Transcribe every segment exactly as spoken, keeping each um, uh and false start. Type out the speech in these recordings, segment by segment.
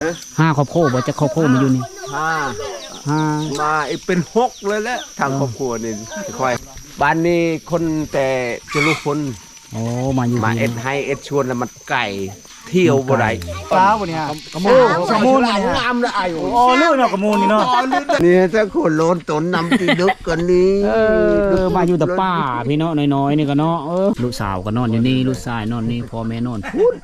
ห้าครอบครัวบ่จะครอบครัวมาอยู่นี่ห้าห้ามาอีกเป็นหกเลยแหละทางครอบครัวนี่ค่อยบ้านนี้คนแต่จะลูกคนโอ้มาอยู่มาเอ็ดให้เอ็ดชวนแล้วมันไก่เที่ยวบ่ได้สาวบ่เนี่ยกระมูลกระมูลนี่งามละไอ้โอ้ลื่นเนาะกระมูลนี่เนาะนี่ถ้าคนโลนตนนำตีดึกกันนี้เออมาอยู่แต่ป้าพี่เนาะน้อยๆนี่ก็เนาะเออลูกสาวก็นอนอยู่นี่ลูกชายนอนนี่พ่อแม่นอนพูด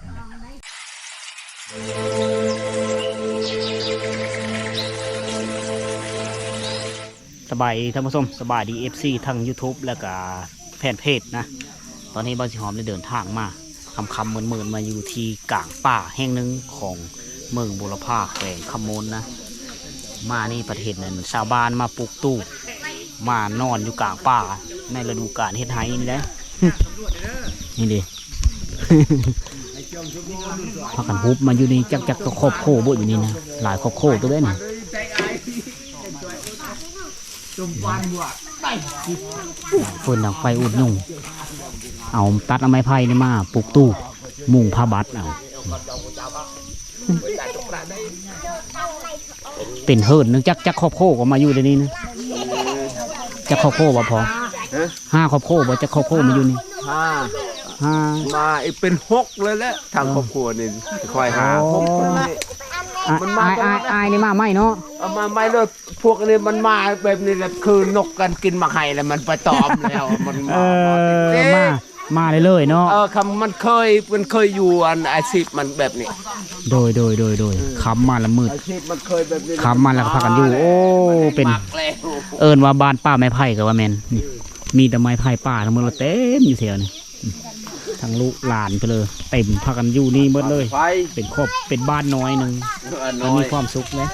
สบายท่านผู้ชมสบายดี เอฟ ซี ทั้ง YouTube แล้วก็แฟนเพจนะตอนนี้บ้านสิหอมได้เดินทางมาคำคำเหมือนเหมือนมาอยู่ที่กลางป่าแห่งหนึ่งของเมืองบุรพาแขวงคำมนนะมานี่ประเทศนั้นชาวบ้านมาปลูกตู้มานอนอยู่กลางป่าในฤดูกาลเฮ็ดไห้นี่แหละนี่ดิพากันฮุบมาอยู่นี่จักจักก็ครอบโคบ่อยู่นี่นะหลายครอบโคตัวเด้นี่เฟินดังไฟอุดยุ่งเอาตัดเอาไม้ไผ่นี่มาปลูกตู้มุงผ้าบัดเอาเป็นเฮิร์นนึงจักจักครอบโคก็มาอยู่ในนี้นะจักครอบโคบ่พอห้าครอบโคบ่จักครอบโคมาอยู่นี่ห้าห้ามาอีกเป็นหกเลยแหละทางครอบครัวนี่ค่อยหาหกคนนี่มันมาอายอายนี่มาไม่เนาะเอามาไม่เลยพวกนี้มันมาแบบนี้แหละคือนกกันกินมาไข่แล้วมันไปตอมแล้วมันมามามาเลยเลยเนาะเออคำมันเคยมันเคยอยู่อันอาชีพมันแบบนี้โดยโดยโดยโดยคำมาละมืดอาชีพมันเคยแบบนี้คำมาแล้วก็พากันอยู่โอ้เป็นเอิญว่าบ้านป้าไม้ไผ่กับว่าแมนมีแต่ไม้ไผ่ป้าทั้งหมดเต็มอยู่แถวนี้ทั้งลูกหลานไปเลยเต็มพากันอยู่นี่หมดเลยเป็นครอบเป็นบ้านน้อยหนึ่งมันมีความสุขเลย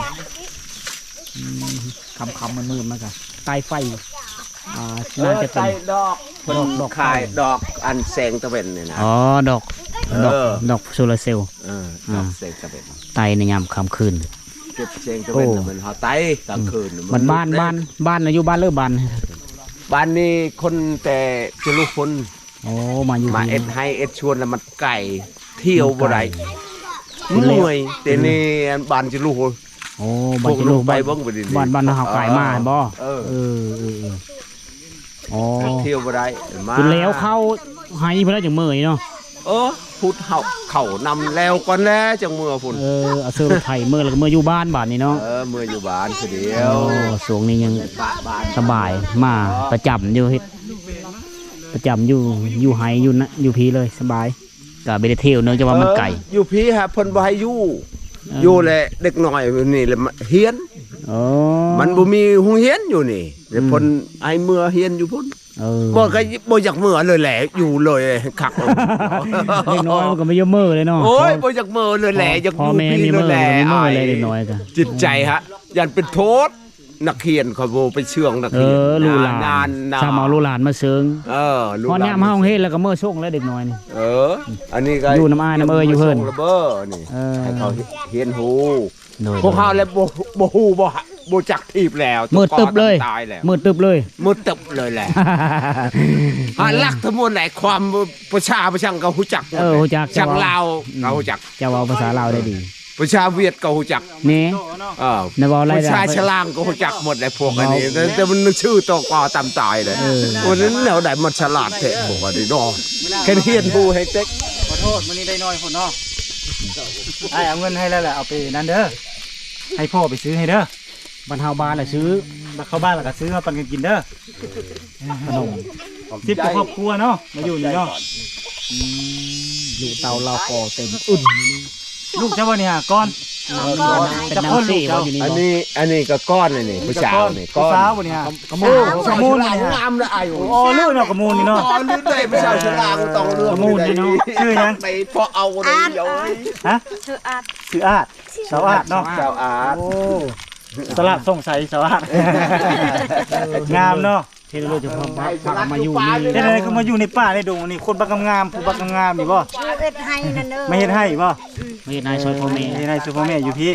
คำคำมันมืดมากอะใต้ไฟอ่าน่าจะเป็นดอกดอกดอกคายดอกอันแสงตะเวนเนี่ยนะอ๋อดอกดอกดอกโซลาเซลล์ดอกแสงตะเวนไตในยามค่ำคืนเก็บแสงตะเวนเหมือนเขาไตกลางคืนมันบ้านบ้านบ้านอายุบ้านเลิกบ้านบ้านนี้คนแต่จะลูกคนโอ้มาอยู่มาเอ็ดให้เอ็ดชวนแล้วมันไก่เที่ยวบ่ได้เหนื่อยแต่นี่บ้านจะลูกโอ้บ้านจะลูกไปบ้างไปดิบ้านบ้านเขาไก่มาบ่เออเออโอ้เที่ยวบ่ได้มาคุณแล้วเข้าให้เพื่อนจังเมื่อยเนาะเออพูดเข่าเข่านำแล้วก่อนแล้วจังเมื่อพุ่นเออเอาเสื้อไทยเมื่อแล้วก็เมื่ออยู่บ้านบ้านนี่เนาะเออเมื่ออยู่บ้านคือเดียวสวงนี้ยังสบายมาประจำอยู่เฮ็ดประจำอยู่อยู่ไฮอยู่นะอยู่พีเลยสบายกับเบลเทลเนื่องจากว่ามันไก่อยู่พีฮะเพิ่นบ่ให้อยู่อยู่แหละเด็กน้อยนี่แหละเฮียนมันบ่มีโรงเรียนอยู่นี่แต่เพิ่นให้เมื่อเฮียนอยู่พุ่นบ่ก็บ่อยากเมื่อเลยแหละอยู่เลยคักเด็กน้อยมันก็ไม่ยอมเมื่อเลยเนาะโอ้ยบ่อยากเมื่อเลยแหละอยากอยู่พีเลยแหละอ้ายเด็กน้อยก็จิตใจฮะยันเป็นโทษนักเขียนเขาโบไปเชื่องนักเขียนลูหลานชาวเมาลูหลานมาเชิงเออพอเนี่ยมาห้องเฮ็ดแล้วก็เมื่อช่วงแล้วเด็กน้อยนี่เอออันนี้ก็อยู่น้ำอ้ายน้ำเอ้ยอยู่เพิ่นระเบ้อนี่ให้เขาเฮียนหูพวกเขาแล้วโบหูโบโบจักทีบแล้วมืดตึบเลยมืดตึบเลยมืดตึบเลยแหละฮะลักทั้งหมดไหนความประชาประชังเขาหูจักเออหูจักจังลาวเขาหูจักจะเอาภาษาลาวได้ดีประชาเวียดก็หูจักนี่เออประชาฉลางก็หูจักหมดเลยพวกอันนี้แต่มันนึกชื่อตัวกอตามตายเลยวันนั้นแนวไหนมันฉลาดเถอะพวกอันนี้เนาะแค่เฮียนหูให้เต็กขอโทษวันนี้ได้น้อยคนเนาะไอ้เอาเงินให้แล้วแหละเอาไปนั่นเด้อให้พ่อไปซื้อให้เด้อบรรเทาบ้านแหละซื้อมาเข้าบ้านแล้วก็ซื้อมาปันกันกินเด้อขนมทิพย์ครอบครัวเนาะมาอยู่นี่เนาะอยู่เตาเราก่อเต็มอุ่นลูกเจ้าวันนี้ก้อนเป็นน้ำซีเจ้าอันนี้อันนี้ก็ก้อนเลยนี่ผู้สาวนี่ก้อนผู้สาววันนี้กระมูลกระมูลงามเลยไอ้โอ้ลื่นเนาะกระมูลนี่เนาะลื่นได้ผู้สาวฉลาดต้องเลือกกระมูลนี่เนาะชื่อยังไปพอเอาเลยเดี๋ยวฮะชื่ออาดชื่ออาดสาวอาดเนาะสาวอาดโอ้สลับส่งใส่สาวอาดงามเนาะที่เราจะพาพามาอยู่นี่ที่ไหนก็มาอยู่ในป่าในดงนี่คนบักงามผู้บักงามนี่บ่เฮ็ดให้นั่นเด้อไม่เฮ็ดให้บ่ไม่เฮ็ดให้ช่วยพ่อแม่เฮ็ดให้ช่วยพ่อแม่อยู่พี่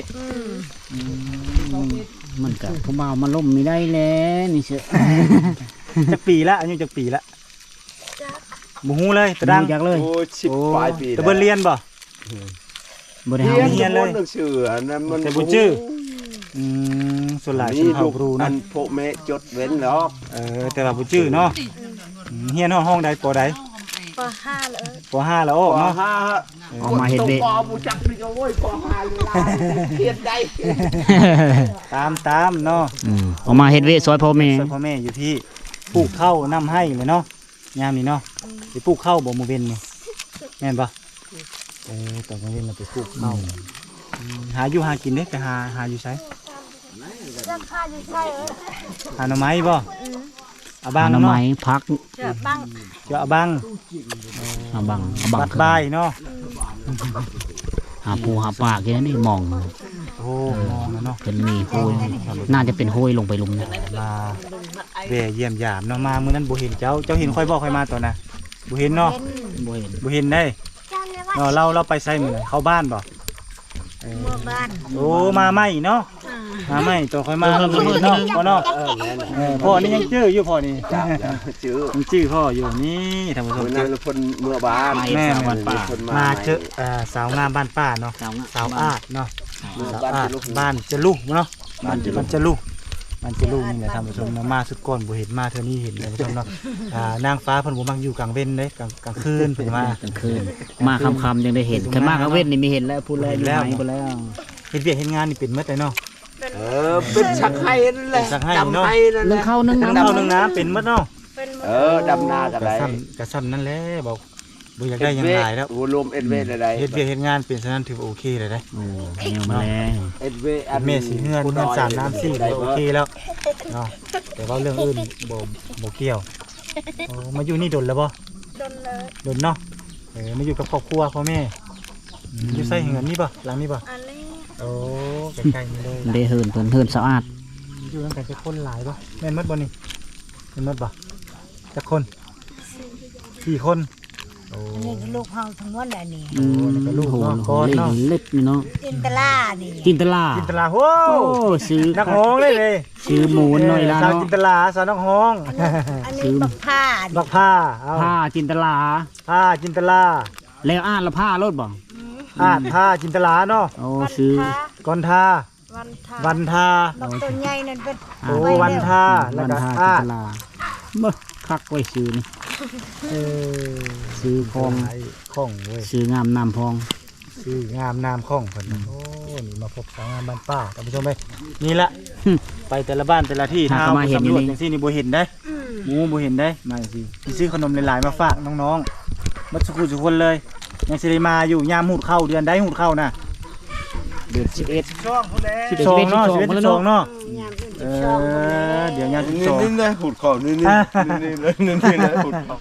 มันก็ผู้บ่าวมาล้มไม่ได้แล้วนี่เชื่อจักปีละอายุจักปีละบ่ฮู้เลยตะดังจักเลยโอ้สิบปลายปีตะเบิ่นเรียนบ่บ่ได้เฮีเฮายนเฮียนเลยหนังสืออันนั้นมันแต่บ่ชื่อ อืมส่วนหลายชนี่นเผ่าลูกครูอัเนาะนพวกแม่จดเว้นหรอกเออแต่ว่าบ่ชื่อเนาะอืมเฮียนห้องห้องใดปอใดปห้าเลยปห้าแล้วโอ้ปเนาะห้าเอามาเฮ็ดเวปอบูจักนี่ก็โว้ยปอห้าเลยล่ะเขียนได้ตามตามเนาะอืมเอามาเฮ็ดเวซอยพ่อแม่ส่วนพ่อแม่อยู่ที่ปลูกข้าวน้ำให้เลยเนาะยามนี้เนาะไปปลูกข้าวบ่มื้อเว้นนี่แม่นปะเออตอนมื้อเว้นเราไปปลูกข้าวอืมหาอยู่หากินเด้ไปหาหาอยู่ไสราคาอยู่ใช่เออหาหน่อไม้บ่เอาบ้างหน่อเนาะไม้พักเจอบ้างเจาะบ้างเอาบังเอาบังบัดบายเนาะหาปูหาปลาแค่นั้นนี่มองโอ้มองนะเนาะเป็นมีโหยน่าจะเป็นโหยลงไปลุมนะมาแวะเยี่ยมยามเนาะมามื้อนั้นบ่เห็นเจ้าเจ้าเห็นค่อยบอกค่อยมาตอนน่ะบ่เห็นเนาะบ่เห็นบ่เห็นได้เจ้าเลยว่าเนาะเราเราไปไสมื้อนั้นเข้าบ้านบ่เออเมื่อบ้านโอ้มาใหม่เนาะอ่ามาใหม่ตัวค่อยมาเราบ่เห็นเนาะพ่อเนาะเออพ่อนี่ยังจื้ออยู่พ่อนี่ชื่อยังจื้อพ่ออยู่นี่ท่านผู้ชมคนจื้นั้อนคนเมื่อบ้านแม่สาวบ้านป่าคนมาเจอเอ่อสาวงามบ้านป้าเนาะสาวสาวอาดเนาะ สาวบ้านอาดจะลุกบ้านจะลุกเนาะบ้านจะลุกบ้านจะลุกบ้านจะลุกนี่แหละท่านผู้ชมเนาะมาสุดก่อนบ่เห็นมาเท่านี้เห็นท่านผู้ชมเนาะอ่านางฟ้าเพิ่นบ่มักอยู่กลางเว้นเด้กลางกลางคืนเพิ่นมากลางคืนมาค่ำๆยังได้เห็นคันมากลางเว้นนี่ไม่เห็นแล้วพูดแล้วอยู่ไหนพูดแล้วเฮ็ดเวียกเฮ็ดงานนี่เป็นหมดเลยเนาะเออเป็นชักไห้นั่นแหละเป็นชักไห้เนอะดำไห้นั่นแหนึ่งละข้าวนึ่งทั้งน้ำเท่านึงนะเป็นหมดเนาะเป็นหมดเออดำนากันกไรระซ้ำกระซ้ำนั่นแหละบอกบ่อยากได้หยังหลายแล้วโอ้รวมเอ็ดเวอะไรเฮ็ดเวียกเฮ็ดงานเป็นฉะนั้นถือว่าโอเคเลยเด้โอ้แนวมาแล้วเอ็ดเวอันเมสีเฮือนเฮือนสามน้ำสี่ก็โอเคแล้วเนาะแต่ว่าเรื่องอื่นบ่บ่เกี่ยวโอ้มาอยู่นี่ดนแล้วบ่โดนเลยดนเนาะเออมาอยู่กับครอบครัวพ่อแม่อืมอยู่ใส่เงินนี่บ่หลังนี่บ่อันนี้โอ้ใกล้ๆนี่เลยได้เฮินเพิ่นเฮินสะอาดอยู่นำกันจะคนหลายบ่แม่นหมดบ่นี่แม่นหมดบ่จักคนสี่คนโอ้อันนี้คือลูกเฮาทั้งหมดแหละนี่อืมแล้วก็ลูกโหเนาะโหก้อนเล็กเนาะเล็กนี่เนาะจินตลานี่จินตลาจินตลาโอ้โอ้ซื้อนักฮ้องเลยเลยซื้อหมูหน่อยละสาวเนาะจินตลาสาวนักฮ้องอันนี้บักผ้าบักผ้าเอาผ้าจินตลาผ้าจินตลาแล้วอ่านละผ้ารถบ่อ่านผ้าจินตลาเนาะโอ้วันซื้อทาก่อนทาวันทาวันทาบักตัวใหญ่นั่นเป็นโอ้วันทาแล้ววันก็ทาอ่าจินตลาเมื่อคักไว้ซื้อนี่เออซื้อของหลายของเว้ยซื้องามน้ำพองซื้องามนามของเพิ่นโอ้นี่มาพบสาวงามบ้านป้าท่านผู้ชมเอ้ยนี่ละหึไปแต่ละบ้านแต่ละที่หาถ้าก็มาเห็นอยู่สำรวจนี่จังซี่นี่บ่เห็นได้อืมหมูบ่เห็นได้มาสิสิซื้อขนมหลายๆมาฝากน้องๆมาสุขุทุกคนเลยยังสิได้มาอยู่ยามหูดเข้าเดือนใดหูดเข้าน่ะเดือนสิบเอ็ดสิบสองเนาะสิบเอ็ดสิบสองเนาะยามเป็นเอช่องหมดเลยอเดี๋ยวยามสิบนี่สองนี่นะหุดคอนี่นี่นี่เลยนี่นี่นะหุดคอ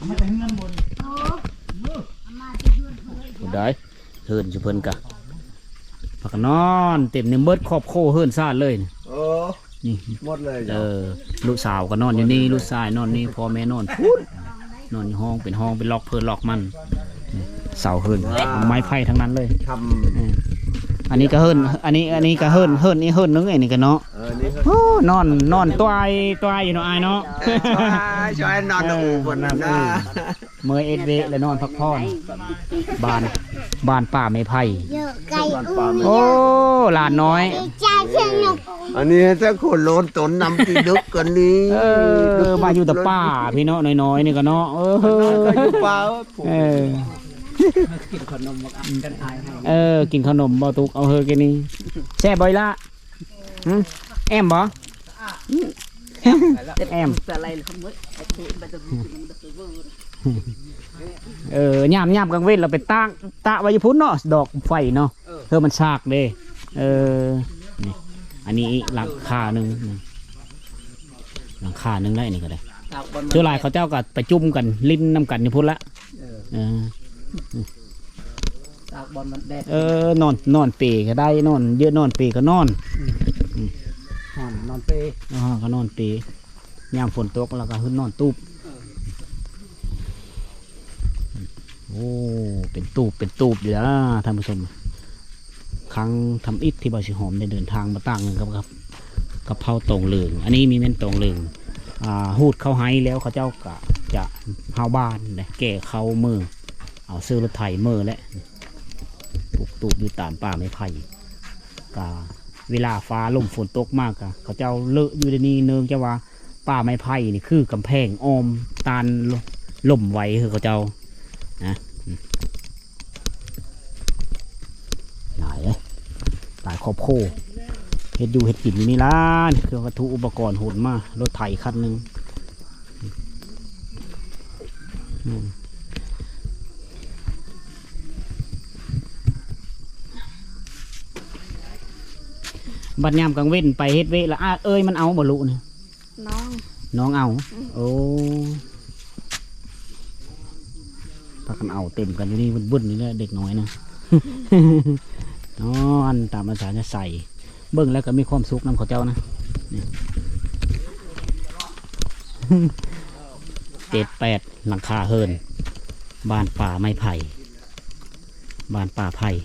ได้เฮินจุเพิ่นกะพักนอนเต็มในเบิดครอบโคเฮินซาดเลยนี่โอ้นี่หมดเลยเอจ้ะอลูกสาวก็นอนอยู่นี่ลูกชายนอนนี่พ่อแม่นอนพูดนอนอยู่ห้องเป็นห้องเป็นล็อกเพิ่นล็อกมันนี่เสาเฮินไม้ไผ่ทั้งนั้นเลยทเอออันนี้ก็เฮินอันนี้อันนี้ก็เฮินเฮินนี่เฮินนึงไอ้นี่ก็เนาะำเออนี่ก็โอ้นอนนอนตัวไอตัวไออยู่เนาะไอเนาะช่วยช่วยนอนดูบนนั้นนะเมื่อเอ็ดเวและนอนพักผ่อนบ้านบ้านป่าไม้ไผ่เยอะไก่อู้โอ้หลานน้อยใจเพียงหนุกอันนี้ถ้าคนโลนตนนำตีดึกกันนี้เออมาอยู่แต่ป่าพี่เนาะน้อยๆนี่ก็เนาะเออก็อยู่ป่าเออเออกินขนมบ่ตุกเอาเฮอกินนี่แซ่บบ่อยละหึแอมบ่แอมเออย่ามย่ามกลางเว้นเราไปตั้งตะไว้อยู่พุ่นเนาะดอกไฟเนาะเพื่อมันซากเด้เออนี่อันนี้หลังคาหนึ่งหลังคาหนึ่งได้นี่ก็ได้เจ้าลายเขาเจ้าก็ไปจุ่มกันลิ้นน้ำกันอยู่พุ่นละเออเออนอนนอนเปก็ได้นอนเยอะนอนเปก็นอนนอนนอนเปอ๋อก็นอนเปยามฝนตกแล้วก็ขึ้นนอนตูบโอ้เป็นตูบเป็นตูบอยู่แล้วท่านผู้ชมครั้งทำอิฐที่บ่อสิหอมได้เดินทางมาตั้งกับกับกับเผาตรงเหลืองอันนี้มีเม่นตรงเหลืองอ่าหูดเข้าไห้แล้วเขาเจ้าก็จะเฮาบ้านเลยแก่เขามือเอาซื้อรถไถมือแล้วปลูกตูบอยู่ตามป่าไม้ไผ่กะเวลาฟ้าลมฝนตกมากกะเขาเจ้าเลอะอยู่ในนี้เนืองจะว่าป่าไม้ไผ่นี่คือกำแพงอ้อมตานล่มไว้คือเขาเจ้านะหลายเลยหลายครอบโคเฮ็ดอยู่เฮ็ดกินอยู่นี่ล่ะเครื่องวัตถุอุปกรณ์โหดมากรถไถคันหนึ่งบัดยามกลางเว้นไปเฮ็ดเวละอ้าเอ้ยมันเอาบ่ลุเนี่ยน้องน้องเอาโอ้พักกันเอาเต็มกันอยู่นี่บึ้นๆนี่แหละเด็กน้อยนะ นอนตามภาษาจะใส่เบิ้งแล้วก็มีความสุขนำเขาเจ้านะนี่ เจ็ดแปดหลังคาเฮินบ้านป่าไม้ไผ่บ้านป่าไผ่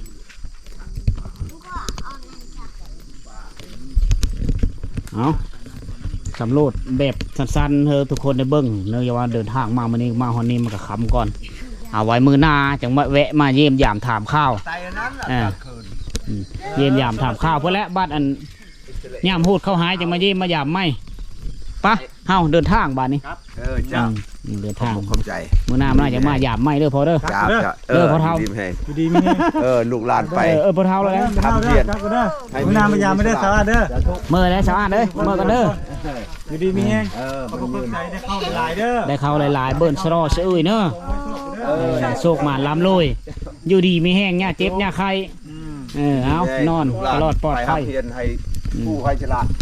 เอาสำรวจแบบสั้นๆเธอทุกคนได้เบิ้งเนื่องจากว่าเดินทางมาวันนี้มาวันนี้มันก็ค้ำก่อนเอาไว้มือหน้าจังมาแวะมาเยี่ยมยามถามข้าวไตอันนั้นล่ะอ่ากลางคืนเยี่ยมยามถามข้าวเพื่อและบ้านอันย่ามพูดเข้าหายจังมาเยี่ยมมายามไม่ปะเฮาเดินทางบ้านนี้เออจ้าอืมเดินทางขอบใจมือหน้ามันน่าจะมายามไม่เด้อพอเด้อจ้าจ้าเออพอเท่าดีแพงอยู่ดีมีแฮงเออลูกหลานไปเออเออพอเท่าแล้วนะทำเพียรครับก็เด้อมื้อนามายามไม่ได้สาระเด้อเมื่อแล้วสาวเด้อเมื่อกันเด้ออยู่ดีมีแฮงเออขอบมันคุยืณนใจได้เข้าหลายเด้อได้เข้าหลายๆเบิ้นสรอเสื้อเนอะเออเออโชคมาล้ำลอยอยู่ดีมีแห้งเนี่ยเจ็บเนี่ยใครอืมเออเอานอนตลอดปลอดภัยไปหาเพียรให้ผู้ให้ฉลาด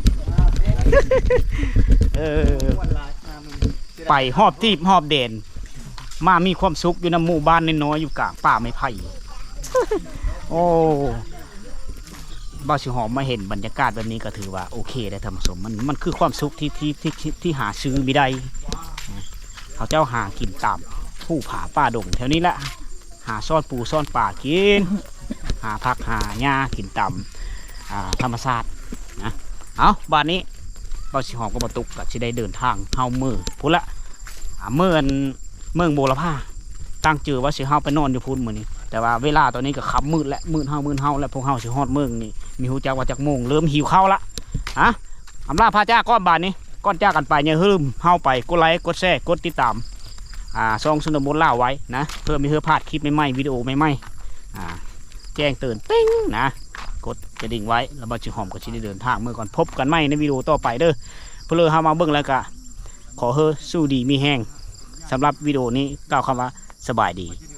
เออไปหอบทีบหอบเด่นมามีความสุขอยู่ในหมู่บ้านน้อยๆอยู่กลางป่าไม้ไผ่ โอ้บ่าวสิหอมมาเห็นบรรยากาศแบบนี้ก็ถือว่าโอเคได้ทำสมมันมันคือความสุขที่ที่ที่ที่ที่หาซื้อไม่ได้เขาเจ้าหากินตามผู้ผาป่าดงแถวนี้แหละหาซ่อนปูซ่อนป่ากิน หาผักหาหญ้ากินตามอ่าธรรมชาตินะเอาบ้านนี้บ่าวสิหอมก็มาตุกกับที่ได้เดินทางเฮามือพุ่นละอ่าเมื่อนเมืองโบราพาตั้งจือว่าสิเฮาไปนอนอยู่พุ่นมื้อนี้แต่ว่าเวลาตอนนี้ก็ค่ำมืดและมืดเฮามืดเฮาและพวกเฮาสิฮอดเมืองนี่มีฮู้จักว่าจักโมงเริ่มหิวข้าวละฮะอำลาพาจ้าก้อนบานนี้ก้อนจ้ากันไปอย่าลืมเฮาไปกดไลค์กดแชร์กดติดตามอ่าซองสนบนล่าไว้นะเพื่อมีเพื่อพลาดคลิปใหม่ๆวิดีโอใหม่ๆอ่าแจ้งเตือนติ้งนะกดกระดิ่งไว้แล้วบ่าวสิหอมก็สิได้เดินทางเมื่อก่อนพบกันใหม่ในวิดีโอต่อไปเด้อเพื่อเฮามาเบิ่งแล้วก็ขอเฮอสู้ดีมีแห้งสำหรับวิดีโอนี้กล่าวคำว่าสบายดี